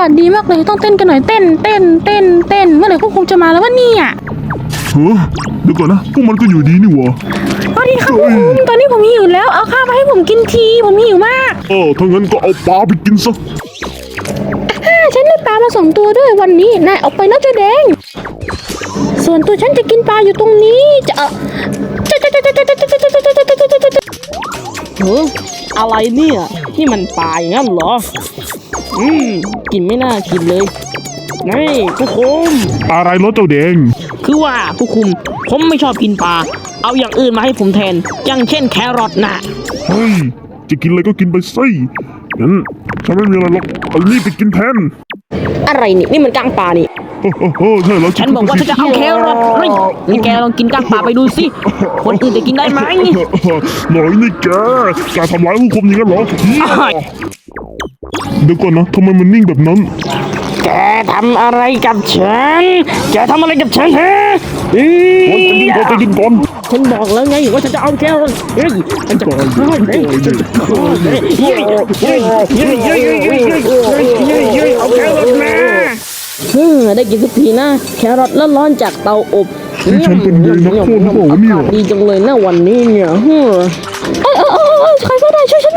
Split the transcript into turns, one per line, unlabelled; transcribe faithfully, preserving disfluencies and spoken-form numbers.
ากาศดีมากเลยต้องเต้นกันหน่อยเต้นเต้นเต้นเต้นเมื่อไหร่พวกคุณจะมาแล้ววะเนี่ย
เฮ้ยเดี๋ยวก่อนนะพวกมันก็อยู่ดีนี่หว่า
สวัสดีครับพวกคุณตอนนี้ผมหิวแล้วเอาข้าวมาให้ผมกินทีผมหิวมาก
เออถ้างั้นก็เอาปลาไปกินซะ
ฉันได้ปลามาสองตัวด้วยวันนี้นายออกไปนะเจ้าแดงส่วนตัวฉันจะกินปลาอยู่ตรงนี้จะเออ
เฮ้ยอะไรเนี่ยนี่มันปลาอย่างนั้นเหรออืมกินไม่น่ากินเลยนี่ผู้คุม
อะไรรถเจ้าแดง
คือว่าผู้คุมผมไม่ชอบกินปลาเอาอย่างอื่นมาให้ผมแทนอย่างเช่นแครอทนะ
เฮ้ยจะกินอะไรก็กินไปสิงั้นฉันไม่มีอะไรหรอกเอานี่ไปกินแทน
อะไรนี่นี่มันก้างปลานี่
โอ้โหใช่แล้ว
ฉันบอกว่าฉันจะเอาแครอทเฮ้ยนี่แกลองกินก้างปลาไปดูสิคนอื่นจะกินได้ไหม
หน่อยนี่แกแกทำร้ายผู้คุมอย่างนั้นเหรอเดี๋ยวก่อนนะทำไมมันนิ่งแบบนั้น
แกทำอะไรกับฉันแกทำอะไรกับฉันฮะ
โอ้ยจะกินก่อนจะกินก่อน
ฉันบอกแล้วไงว่าฉันจะเอาแครอทเฮ้ยฉันจะฆ่าเฮ้ยฉันจะฆ่าเฮ้ยเฮ้ยเฮ้ยเฮ้ยเฮ้ยเฮ้ยเฮ้ยเฮ้ยเฮ้ยเฮ้ยเฮ้ยเอาแครอทมาเฮ้ยได้กินสักทีนะแครอทร้อนๆจากเตาอบ
นี่ฉันเป็นไงนักโทษหรือเปล่าเนี่ย
ดีจังเลยนะวันนี้เนี่ยเฮ้ย
เออเออเออใครก็ได้ช่วยฉัน